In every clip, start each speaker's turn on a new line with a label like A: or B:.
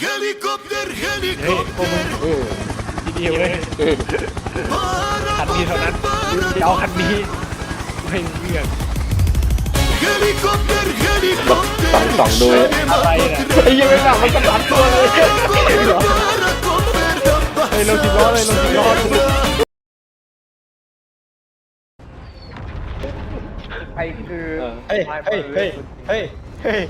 A: Helikopter,
B: เฮ้ยพวกมึง
A: helikopter.
B: ดีๆเว้ยคันนี้เท่านั้นจะเอาคันนี้ไม่เลือก
A: Helikopter,
C: สองดู
B: อะไรน่ะ
C: ไอ้ยังไม่หลับมันกระดับตัวเลย
A: helikopter.
B: เฮ้ยลงสิบล้อเลยลงสิบล้อเลย
D: ไอ้คือ
C: เฮ้ยเฮ้ยเฮ้ยเฮ้ยเฮ้ย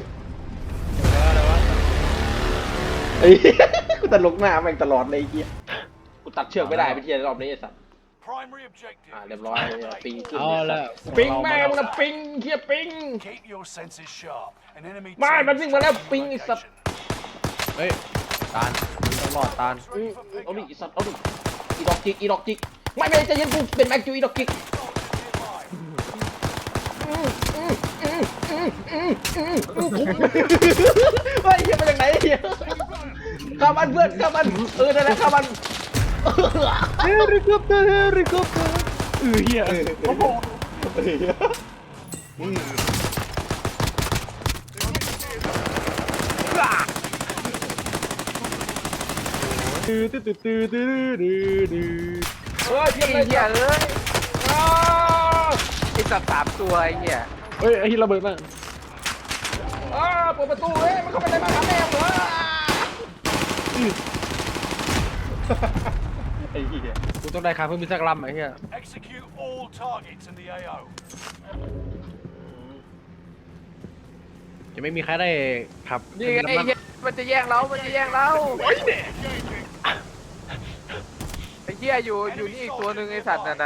C: ไอ้กูตลกหน้าแม่งตลอดเลยไอ้เหี้ยกูตัดเชือกไม่ได้ไปเทียรอบนี้ไอ้สัส
E: Primary objective.
C: เรียบร้อยปิงขึ้น
B: เอาละ
C: ปิงแม่งนะปิงเฮียปิง
E: Keep your senses sharp. An enemy
C: ไม่
E: team
C: มันวิ่งมาแล้ว
E: is
C: ปิงไอ้สัส
B: เฮ้ยตาลต้องรอดตาล
C: เอาดิไอ้สัสเอาดิอีดอกจิกอีดอกจิกไม่ใจเย็นกูเป็นแม็กจูอีดอกจิกเฮ้ยเฮียมาจากไหนเฮียข้ามันเพื่อนข้ามันนั่นแหละข้ามัน
B: เฮลิคอปเตอร์เฮลิคอปเตอร์เฮียโอ้โหตื้อตื้อตื้อตื้อตื้อตื้อ
C: เฮ้ยเพี้ยนเลย
D: เหี้ยเอ้ยไอ้สัตว์3 ตัวไอ้เหี้ย
B: เฮ้ยไอ้ที่ระเบิดมา
C: เปิดประตูเฮ้ยมันเข้าไปในบ้านหาแม่เหรอไอ้เหี้ย
B: กูต้องได้คาเพิ่มมีสักลำไอ้เหี้ย
E: Execute all targets in the AO.
B: จะไม่มีใครได้ขับ
D: นี่ไงไอ้เหี้ยมันจะแย่งเรามันจะแย่งเราไอ้เหี้ยอยู่นี่อีกตัวหนึ่งไอ้สัตว์นั่น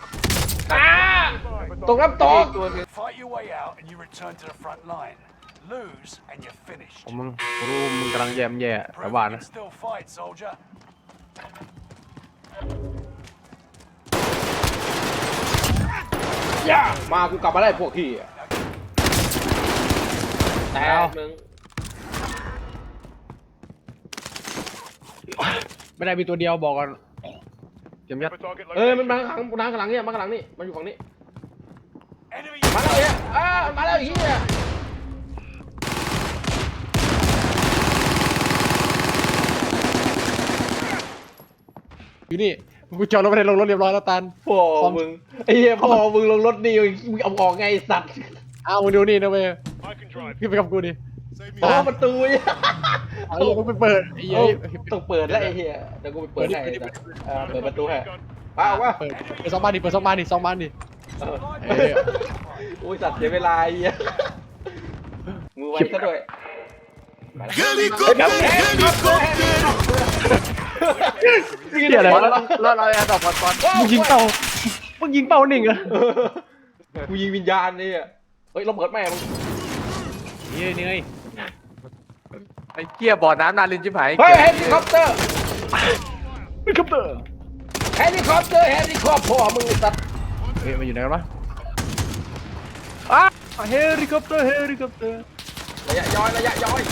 C: ตกน้ำตก
D: อีกตัวหนึ่ง
E: Fight your way out and you return to the front line. Lose and you're finished.
B: ผมมึงรู้มึงกำลังแย่มแย่แต่
E: Prove
B: ว่า
E: you
B: นะ
E: can still fight, soldier.
C: มากูกลับมาได้พวกพี่แต่มึง
B: ไม่ได้มีตัวเดียวบอกก่อนเตรียมยัด
C: มันมาข้างหลังเนี่ยมาข้างหลังนี่มันอยู่ฝั่งนี้
E: Enemy
C: มาแล้วเนี่ยมาแล้วไอ้เหี้ย
B: อยู่นี่กูจอดรถไปในลงรถเรียบร้อยแล้วตัน
C: พ่อมึงไอ้เหี้ยพ่อมึงลงรถนี่มึงเอาออกไงสัตว์
B: อ้าวมึงดูนี่นะเว้ยขึ้นไปกับกูดิ
C: ประตูเนี่ย
B: เอาลูกมึงไปเปิดไอ้เหี้ย
C: ต้องเปิดแล้วไอ้เหี้ยเดี๋ยวกูไปเปิดให้เปิดประตูให้ป้าเอาวะ
B: เปิดสองบ้านดิเปิดสองบ้านดิสองบ้านดิ
C: อุ้ยสัตว์เสียเวลาไอ้เหี้ยมือไวซะด้วย
A: Helikopter, helikopter.
B: เหี้ยอะไรวะ
D: เราแอร์ดรอปก่อน
B: มึงยิงเป้ามึงยิงเป้าหนึ่งอะ
C: กูยิงวิญญาณนี่อ่ะเฮ้ยเราเปิดแม่มึง
B: นี่ไง
D: ไอ้เหี้ยบ่อน้ำนาลินชิบหาย
C: เฮ้ยเฮลิคอปเตอร์
B: เฮลิคอปเตอร์
C: เฮลิคอปเตอร์พ่อมึงสัตว์
B: เฮ้ยมันอยู่ไหนกันวะเฮลิคอปเตอร์เฮลิคอปเตอร์
C: ระยะย้อย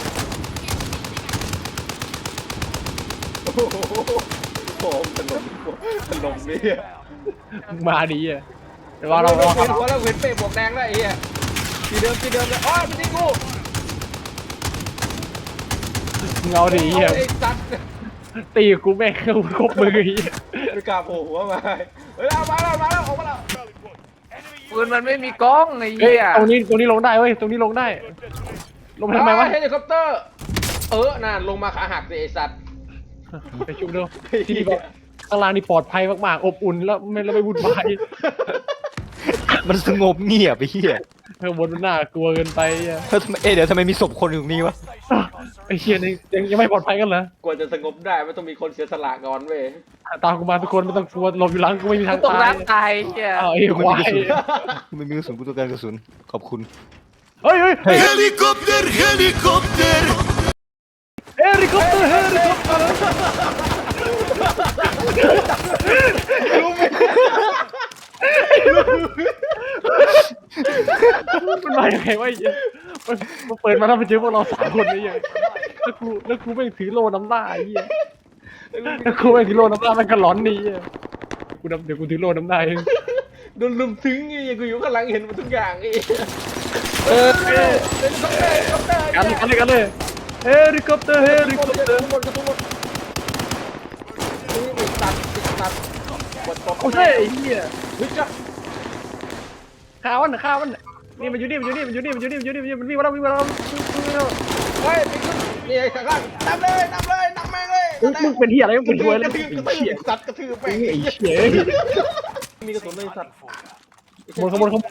C: โอ้โหถล่มนี่
B: มาดีอะแต่ว่าเรา
C: เห็นหัวแล้วเห็นเป้บวกแดงแล้วไอ้เหี้ยที่เดิมเลยอ๋อไม่ใช่กู
B: เงาดีอะ
C: ไอ้สัตว์
B: ตีกูแม่งเข้าครบมือไอ้เหี้ย
C: ไม่กล้าโผล่หัวมาเฮ้ยเอามาแล้วออกมาแล้ว
D: ปืนมันไม่มีกล้องไอ้
B: เฮ้ย
D: เหี้ย
B: ตรงนี้ลงได้เว้ยตรงนี้ลงได้ลงไปทำไมวะ
C: เฮลิคอปเตอร์น่าลงมาขาหักสิไอ้สัตว์
B: ไปชุบดูที่นี่แบบข้างล่างนี่ปลอดภัยมากๆอบอุ่นแล้วไม่วุ่นวาย
F: มันสงบเงียบไปเฮีย
B: ข้างบนมันน่ากลัวเกินไปอะ
F: แล้วทำไมเดี๋ยวทำไมมีศพคนอยู่ตรงนี้วะ
B: ไอ้เชี่ยนี่ยังไม่ปลอดภัยกันเหรอก
C: ว่าจะสงบได้มันต้องมีคนเสียสละก่อนเว้ย
B: ตามกูมาทุกคนไม่ต้องกลัวหลบอยู่หลังกูไม่มีทาง
D: ตก
B: ตาย
D: น้ำตายเหี้ย
B: อ้าวไอ้ควาย
F: ไม่มีกระสุนกูต้องการกระสุนขอบคุณ
B: เฮ้ย
A: Helikopter, helikopter.
B: เฮลิคอปเตอร์เฮลิคอปเตอร์มันมาอย่างไงวะไอ้เหี้ยมันเปิดมาแล้วไปเจอพวกเรา3 คนนี่ยังแล้วกูไม่งถือโล่น้ำหน้าไอ้เหี้ยแล้วกูไม่งถือโล่น้ำหน้ามันก็ร้อนดีอ่ะเดี๋ยวกูถือโล่น้ำหน้าเอง
C: โดนลุมถึงไงกูอยู่ข้างหลังเห็นหมดทุกอย่างไอ้
B: กันเลยเฮลิคอปเตอร์เฮลิคอปเตอร์
C: ทุกคนนี่ตัดกด
B: โอ้ยไอ้เหี้ย
C: เฮ้ยจ้ะ
B: ข้าวมันนี่มันอยู่นี่มันวิ่งมาแล้ว
C: เฮ้ยนี่ไอ้ข้างล่างนำแม่งเลย
B: มึงเป็นเหี้ยอะไรมึงเป็นหัวเลย
C: กระทืบสัตว์กระทืบแม่ง
B: ไอ้เหี้ย
C: มีกระสุนเลยสัตว์
B: ขบวน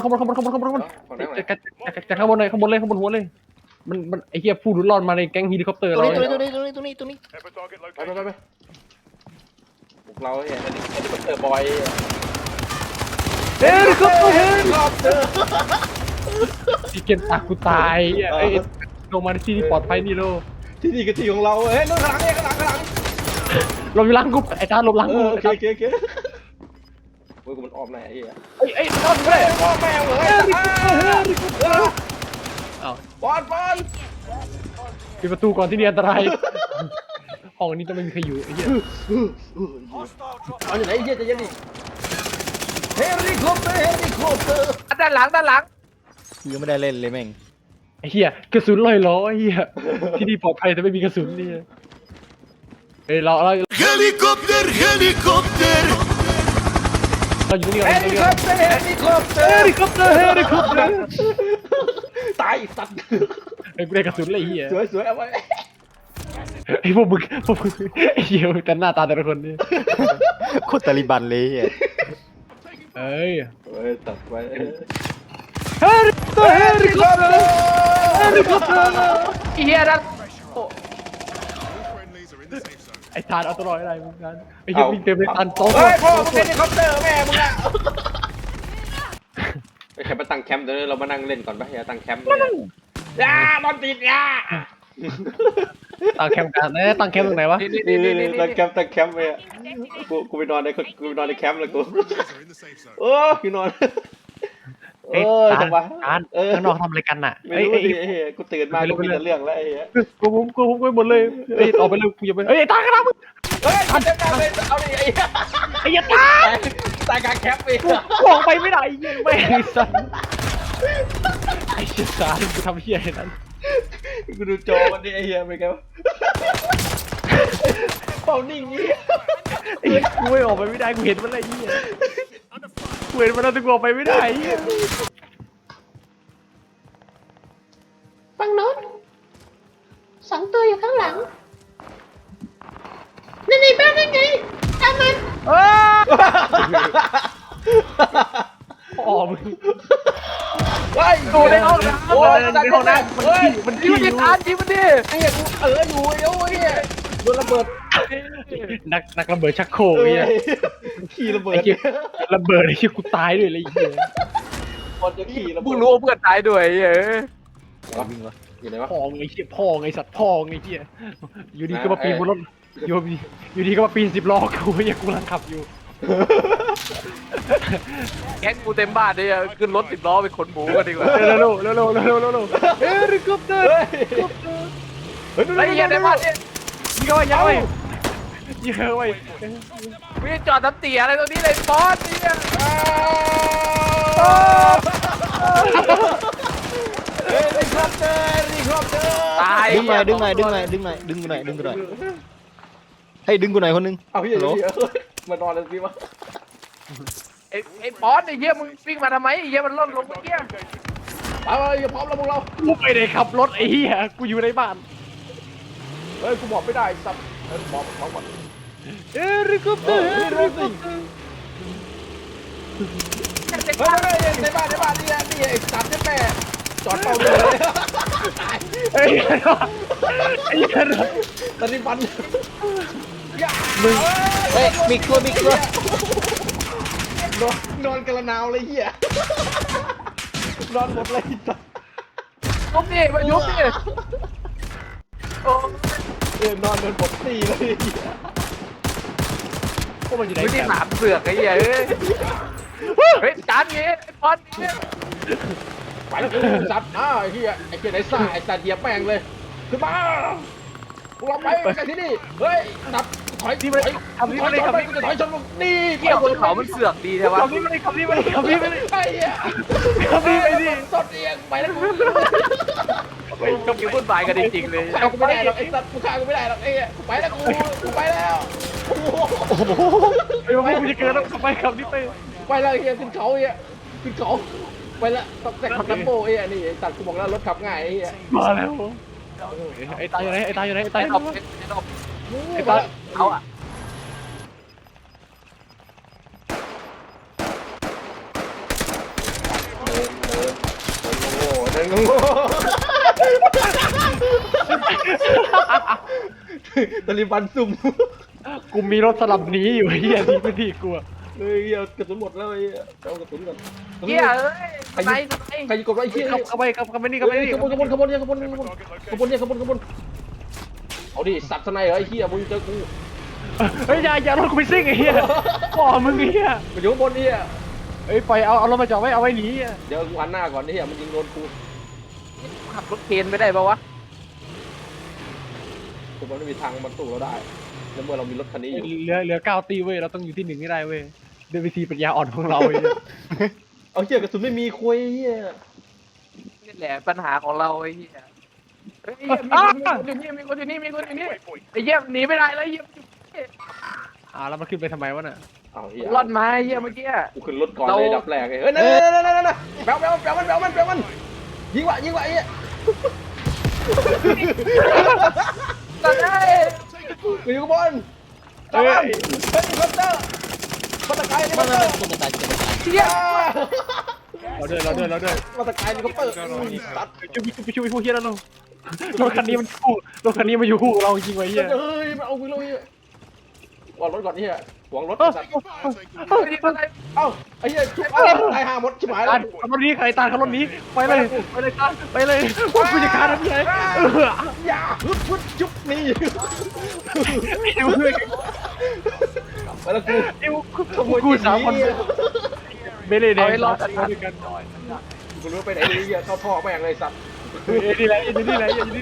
B: จากข้างบนเลยข้างบนหัวเลยมันไอ้เหี้ยผู้รุนรอดมาในแก๊งเฮลิคอปเตอร์
F: ตรง
B: เรา
F: นี้ตรงนี้ตรงนี้ตรงนี้ตรงนี้
C: ไปพวกเราเนี่ยเฮลิคอปเตอร์บอย
B: เฮลิคอปเตอร์
C: เฮลิคอปเตอร์
B: ที่เกณฑ์ตากูตายไอ้ลงมาในที่ที่ปลอดภัยนี่โล
C: ที่นี่คือที่ของเราเฮ้ยนู่นข้างหลัง
B: ลมอยู่หลังกูไอ้ตาลมหลังกู
C: โอเคโอ้ยกูมันออมไหนไอ้เหี้ย
B: ไอ้นอนไปเลย
C: พ่อแม่เหรอปอน
B: ปิดประตูก่อนที่นี่อันตรายห้องนี้ต้องไม่มีใครอยู่ไอ้เหี้ย
C: เอาอยู่ไหนไอ้เหี้ยจะยังดิเฮลิคอปเตอร์
D: ด้านหลัง
F: ยังไม่ได้เล่นเลยแม่ง
B: ไอ้เหี้ยกระสุนลอยล้อไอ้เหี้ยที่นี่ปลอดภัยแต่ไม่มีกระสุนนี่เฮ้ยเรา
A: Helikopter, helikopter.
B: อยู่นี่ก่อน
C: เฮลิคอปเตอร์
B: เฮลิคอปเตอร์
C: ตายสัตว์
B: ไอ้กูได้กระสุนเลยไอ้เหี้ย
C: สวยเอาไว้
B: ไอ้พวกมึงไอ้เหี้ยแต่หน้าตาแต่ละคนนี่
F: โคตรตาลิบันเลยอ่ะ
B: เอ้ย
C: ตัดไว้
B: เฮลิคอปเตอร์
D: เฮียนั่น
B: ไอ้ทานเอาตัวรอดอะไรมึงกันไอ้เหี้ยวิ่งเต็มเลยทานโต๊ะ
C: เฮ้ยพ่อมึงเฮลิคอปเตอร์แม่มึงอะไอ้ใครมาตั้งแคมป์เดี๋ยวเรามานั่งเล่นก่อนปะอย่าตั้งแคมป์อย่านอนติดอย่า
B: ตั้งแคมป์กันตั้งแคมป์ตรงไหนวะ
C: นี่ตั้งแคมป์ไปอ่ะกูไปนอนในแคมป์เลยกูโอ้กูนอนจังหวะ
B: ข้างนอกทำอะไรกันน่ะ
C: ไม่รู้ดิไอ้เหี้ยกูตื่นมากูมีแต่เรื่องแล้วไอ้เหี้ย
B: กูไปหมดเลยเฮ้ยออกไปเลยกูอย่าไปเฮ้ยตายกันแล้วมึง
C: เฮ้ยทันจะการเลยเอาดิไอ้เหี้ย
B: ไอ้ยัตา
C: ตายกลางแคมป์ไป
B: กูออกไปไม่ได้ไอ้เหี้ยไม่ไอ้สัสไอ้เชี่ยสารกูทำเหี้ยอะไรนั้น
C: กูดูจอมันดิไอ้เหี้ยเป็นไงวะเป่านิ่งงี้
B: ไอ้เหี้ยกูไม่ออกไปไม่ได้กูเห็นมันอะไรเหี้ยกูเห็นมันแล้วแต่กูออกไปไม่ได้เหี้ย
G: ฝั่งโน้น2 ตัวอยู่ข้างหลังนั่นในบ้านนั่นไงตามมัน
B: พ่อมึง
C: เฮ้ย
B: โดนในห้องน้ำ
C: โอ้ย
B: ในห้องน้ำมันขี้มัน
D: ยิ
B: ขี้
D: ง
B: อ
D: ดิ
B: ยู่
D: ทานยิงมันดิ
C: ไอ้เหี้ยกูอยู่โอ้ยโดนระเบิด
B: นักระเบิดชักโครกไอ้เหี้ย
C: ขี่ระเบิด
B: ไอ้เหี้ยระเบิดไอ้เหี้ยกูตายด้วยเลยไอ้เหี้ย
C: คนจะขี่ระเบิ
D: มึ
C: ด
D: งรู้ว่าเพื่อนตายด้วยเฮ้ย
F: วิ่งวะ
C: อยู่ไหนวะ
B: พ่อไอ้เหี้ยพ่อไอ้สัตว์พ่อไอ้เหี้ยอยู่ดีก็มาปีนบนรถอยู่ดีก็มาปีน10 ล้อกูไอ้เหี้ยกูกำลังขับอยู่
D: แก๊งกูเต็มบ้านเลยขึ้นรถ10 ล้อไปขนหมูกันดีกว่า
B: เร็วเฮลิคอปเตอร์
C: เฮ้ย
D: ไอ้เหี้ยในบ้านเนี่ย
B: ยิงเข้าไปยิงเข้าไปยิงเข้าไป
D: วิ่งจอดน้ำเตี๋ยอะไรตรงนี้เลยบอสเนี่ย
C: เฮลิคอปเตอร์
D: ตาย
F: ดึงหน่อยดึงกูหน่อยให้ดึงกูหน่อยคนนึง
C: เอาพี่อย่ามานอนเลยสิวะ
D: ไอ้บอสไอ้เหี้ยมึงวิ่งมาทำไมไอ้เหี้ยมันล่นลงเมื่อกี้
C: เอาอย่าพร้อมแล้วพวกเรา
B: กูไม่ได้ขับรถไอ้เหี้ยกูอยู่ในบ้าน
C: เฮ้ยกูบอกไม่ได้สับบอกก่อน
B: เฮลิคอปเตอร์
C: เฮ้ยในบ้านนี่ไอ้สัตว์แม่จอดเป่าเลย
B: ไอ้เหี้ย
C: ตอนนี้ฟัน
F: เฮ้ยมีกลัวน
C: อนกระนาวเลยเหี้ยนอนหมดเลยสัตว์
D: ยุบดิมายุบดิโอ้
C: นอนหมดตีเลย
B: พวกมันอยู่ไหน
D: ไม่ได้
B: กัน
D: หนามเสือกไอ้เหี้ยเฮ้ยจานนี้ไอ้บอสเนี่ย
C: ไปแล้วสัตว์ไอ้เหี้ยไอ้เหี้ยไหนซ่าไอ้สัตว์เหยียบแม่งเลยขึ้นมาเราไปกันที่นี่เฮ้ยนับถอยถอยชนมึงนี่
D: เกี่ยวบนเขามันเสือกดีใช่ปะ
B: ขับนี่ไม่ได้
C: ไอ้เหี้ย
B: ขับนี่ไม่ดี
C: ต้นเอียงไปแล้ว
D: ก็มีวุ่นวายกันจริงๆเลย
C: ฆ่ากูไม่ได้หรอกไอ้สัตว์กูฆ่ากูไม่ได้หรอกไอ้เหี้ยกูไปแล้วกูไปแล้วโอ้โห
B: ไอ้พวกมึงจะเกินแล้วไปขับนี่ไป
C: ไปแล้วไอ้เหี้ยขึ้นเขาไอ้เหี้ยขึ้นเขาไปแล้วต้องแต่ขับลัมโบไอ้เหี้ยนี่ไอ้สัตว์กูบอกแล้วรถขับง่ายไอ้เหี้ย
B: มาแล้วไอ้ตายอยู่ไหนไอ้ตายอยู่ไหนไอ้ตาย
D: ไอ้
B: อยู่
D: ด
B: ไห
D: อน กไอ้ดอก
B: ไอ้ตาย
D: เอาอะ
C: โง่เดินโง่ตะลิบันซุ่ม
B: กูมีรถสลับหนีอยู่เฮียที่พื้นที่กู
C: เฮ้ยเหี้ยกระสุนหมดแล้วไอ้เหี้ยเอากระสุนก่อน
D: เฮียเอ้ยไหน
C: ใครยิงกดไว้ไอ้เหี้ย
B: เข้าไปเข้าไปนี่เข้าไปนี่
C: ขบวนเอาดิสัตว์สไนเหรอไอ้เหี้ยมึงเจอกู
B: เฮ้ยอย่ารถกูไปซิ่งไอ้เฮียพ่อมึงไอ้เฮีย
C: มาอยู่ข้างบนนี่
B: เฮ้ยปล่อยเอารถมาจอดไว้เอาไว้หนี
C: เดี๋ยวกูหันหน้าก่อนนี่มันยิงโดนกู
D: ขับรถเคนไม่ได้ปะวะ
C: กูมันไม่มีทางมันสู้เราได้แล้วเมื่อเรามีรถคันนี้อยู่
B: เหลือ9ตีเว้ยเราต้องอยู่ที่1ให้ได้เว้ยด้วยวิธีปัญญาอ่อนของเรา
C: เอาเหี้ยกระสุนไม่มีคุยเหี้ย
D: นี่แหละปัญหาของเราไอ้เหี้ยเฮ้ยมีคนอยู่นี่ไอ้เหี้ยหนีไม่ได้แล้วไอ้เหี้ย
B: แล้วมันขึ้นไปทำไมวะน่ะ
C: เอาเหี้ย
D: รอดมาไอ้เหี้ยเมื่อกี้
C: กูขึ้นรถก่อนเลยดับแรกเลยเฮ้ยนั่นแบลมันยิงวะไอ้เหี้ย
D: ตอนนี้
C: กูอยู่ข้างบนจับมันเฮ้ยคอปเตอร์มาตะไคร้นี่คอปเตอร์
D: เหี้ย
B: เราด้วย
C: มาตะไคร้นี่คอปเตอร์สัตว์
B: ไปช่วยพวกเฮียแล้วเรารถคันนี้มันอยู่คู่เราจริงไว้เฮีย
C: เฮ้ยมาเอากูเลยก่อนรถก่อนนี่ฮะหวงรถสัตว์ เอ้าไอ้เหี้ยชุบตายห่าหมดชิบหายแล้ว
B: ขับรถนี้ใครตามขับรถนี้ไปเลยไปเลยว่ากูจะฆ่าทันทีไง
C: อย่าฮึดชุบนี่ไปแล้วกู
B: 3 คนไม่เลยแดงรอดกัน
C: กูรู้ไปไหนเลยเหี้ยเข้าท่อแม่งเลยสัตว์
B: นี่แหละนี่แหละ
C: นี่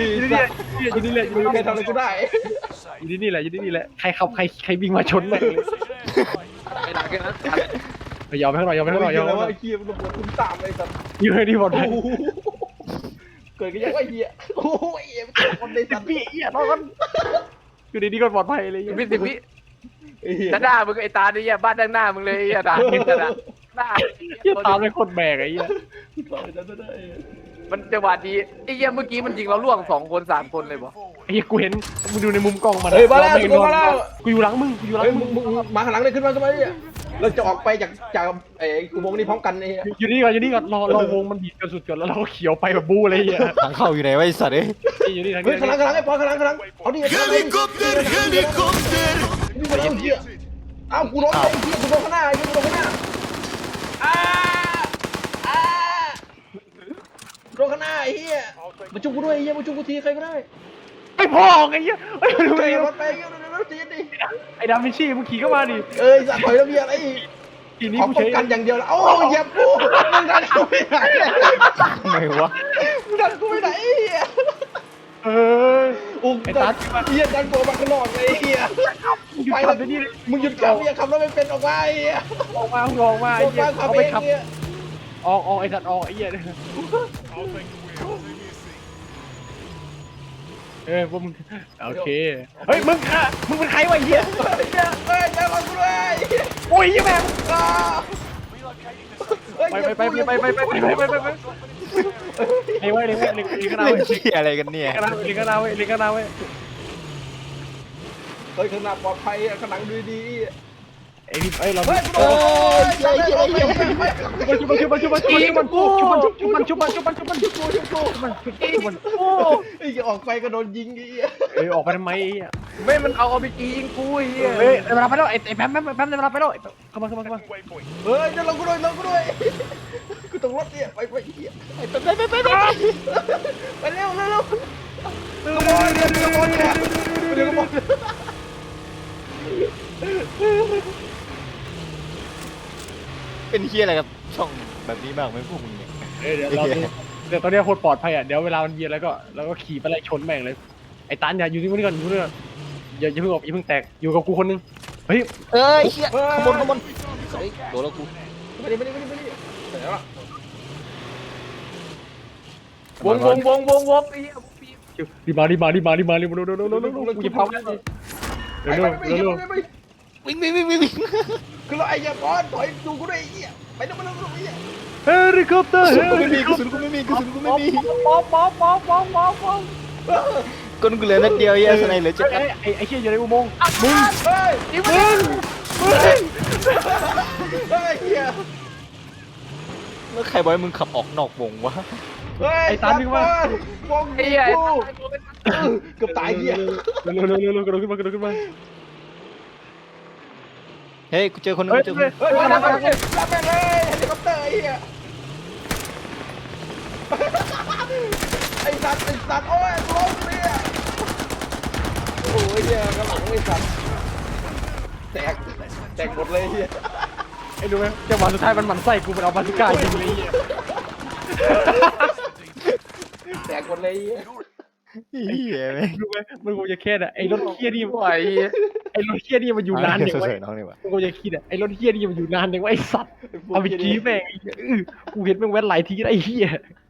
C: ใครทำอะไรกูได้
B: นี่แหละใครขับใครวิ่งมาชนแม่งเลย
D: ไอ้หลังแค่นั้น
B: ยอมให้หน่อย
C: แล้วว่าไอ้เหี้ยมันระเบิดตุ้มตามเลยสัตว์
B: อยู่ให้ดีหมดเลย
C: เกิดกันยังไงเหี้ยโอ้ยคนในสัตว์
B: พี่รอดอยู่ดีๆก็ปลอดภัยเลย
D: 10 วิด้านหน้ามึงไอ้ตาเนี่ยบ้านด้านหน้ามึงเลยไอ้ตาเห็นแต่ละหน้า
B: เหี้ยตามเป็นคนแบกไอ้เหี้ย
D: มันจังหวะดีไอ้เหี้ยเมื่อกี้มันยิงเราล่วง2 คน 3 คนเลยบ่
B: ไอ้เหี้ยกูเห็นมึงดูในมุมกล้องมัน
C: เฮ้ยมาแล้วมาแล้ว
B: กูอยู่หลังมึงกูอยู่หลัง
C: เฮ้ย
B: มึง
C: มึงมาข้างหลังเลยขึ้นมาเนี่ยเราจะออกไปจากไอ้กูวงนี้พร้อมกันไอ้
B: อยู่นี่ก่อนรอวงมันบีบกันสุดก่อนแล้วเราก็เขียวไปแบบบู๊เลยไอ้เหี้ย
F: ทางเข้าอยู่ไหนวะไอ้สัตว์เอ้ย
B: อยู่นี่ทาง
C: เฮ้ย
B: นี้
C: ข้างหลังไอ้ปอนข้างหลังเอาดิ
A: Helikopter, helikopter.
C: วิ่งมาแล้วเหี้ยอ้าวกูล้มเลยเหี้ยกูโดนข้างหน้ากูโดนข้างหน้าโดนข้างหน้าไอ้เหี้ยมาจุกกูด้วยไอ้เหี้ยมาจุกกูทีใครก็ได้
B: ไอ้พ่อไอ้เหี้ยไอ้
C: ดู
B: ดู
C: ดิ
B: ดิ
C: รถไปเหี้ยรถจีนดิ
B: ไอ้ดาวินชีมึงขี่เข้ามาดิ
C: เอ้ยสัตว์ถอยแล้วเบียร์ไอ้
B: ทีนี้
C: ขอ
B: กู
C: ป้อ
B: ใช้
C: งกันอย่างเดียวแล้วโอ้ยเหยียบกูมึงดันกูไปไหน
F: ทำไมวะ
C: มึงดันกูไปไหนไอ้เหี้ย
B: เออ
C: อุ้มดันเหี้ยดันกูมาข้างนอกเลยไอ้เหี้ย
B: มึงหยุด
C: ไป
B: ขั
C: แล้
B: บ
C: ว
B: เดี๋ยวนี้เลย
C: มึงหยุดขับอย่าขับรถไม่เป็นออกมาไอ้เหี้ย
B: ออกมาไอ้เหี้ย
C: ขับ
B: เอา
C: เอ
B: ไป
C: ง
B: ขับ
C: เนี่ย
B: ออกไอ้สัตว์ออกไอ้เหี้ยพวกมึงโอเคเฮ้ยมึงเป็นใครวะไอ้เหี้ย
C: เฮ้ยใจร้อนกูด้วย
B: โอ้ยยี่แม่ง
C: เฮ้ย
B: ไปไอ้เว้ยเลยก็นา
F: เล่
B: เว้
F: น
B: ย
F: เหี้ยอะไรกันเนี่ย
B: เลยก็นาเว้ย
C: เฮ้ยข้างหน้าปลอดภัยข้างหลังดูดี
B: ไอ้นี่ไอ้เรา
C: เฮ้ยโอ้ยไอ้เหี้ย
B: ชุบมันไ
C: อ้ออกไปก็โดนยิงไอ้เหี้ย
B: เอ้ยออกไปทำไมไอ้เหี้ย
D: ไม่มันเอาไปยิงกูไอ้เหี้ย
B: เฮ้ยเวลาไปแล้วไอ้แป๊มเวลาไปแล้วเข้ามา
C: เฮ้ยจะลงกูด้วยกูต้องรถเนี่ยไปเหี้ยไปเร็วเดี๋ยวก็บอก
F: เป็นเหี้ยอะไรกับช่องแบบนี้บ้างไหมพวกมึงเนี่ย
B: เดี๋ยวตอนนี้โคตรปลอดภัยอ่ะเดี๋ยวเวลามันเบียร์แล้วก็ขี่ไปไล่ชนแม่งเลยไอ้ตันอย่าอยู่ที่นี่ก่อนอย่าเพิ่งออกอย่าเพิ่งแตกอยู่กับกูคนนึงเฮ้ย
F: เอ้ยเหี้ยขบวนเฮ้ยโดนแล้วกู
C: ไม่ได้เสร็จแล้วล่ะ
D: วงไอ้เหี้ยวงปีบ
B: รีบมาเร็วกูจะเผาแล้วเร็ว
F: วิ่งวิ่ง
C: คือเราไอ้ยาก้อนถอยดูกูด้วยไอ้เหี้ยไปนู่นไอ้เหี้ย
B: เฮลิคอปเตอร์
F: กูไม่มีกระสุนกูไม่มีกระสุนกูไม่มี
B: ป๊อป
F: ก้นกูเหลือนัดเดียวเหี้ยสไนเหลือ7 นัด
B: ไอ้เหี้ยอยู่ในอุโมงค์มึง
C: เฮ้ย
B: มึง
C: เฮ้ยเหี้ย
F: แล้วใครบอกให้มึงขับออกนอกวงวะ
C: เฮ้ย
B: ไอ้ตามนี่ว่า
C: วง
D: ไอ้เหี้ย
C: เกือบตายเหี้ย
B: เร็วกระโดดขึ้นมา
F: เฮ้ยกูเจอคนนึงกูเจอคนนึง
C: เฮ้ยรับแม่งเลยเฮลิคอปเตอร์ไอ้เหี้ยไอ้สัตว์โอ้ยล้มเนี่ยโอ้ยเหี้ยกระหลังไอ้สัตว์แตกหมดเลยเหี้ย
B: ไอ้รู้ไหมจังหวะสุดท้ายมันหมั่นไส้กูมันเอาบาซูก้ายิงเลย
C: แตกหมดเลยเหี้ย
F: เหี้ยแม่ง
B: รู้ไหมมันคงจะแค่น่ะไอ้รถเฮี้ยนี่
D: ไหว
B: ไอ้รถเฮี้ยนี่มันอยู่นานอย่าง
F: เฉ
B: ไว้
F: ยๆน้องนี่วะ
B: มันคงจะคิดอ่ะไอ้รถเฮี้ยนี่มันอยู่นานอย่างไว้ไอ้สัตว์เอาไปจี้แม่งกูเห็นแม่งแว้นหลายทีแล้วไอ้เฮี้ย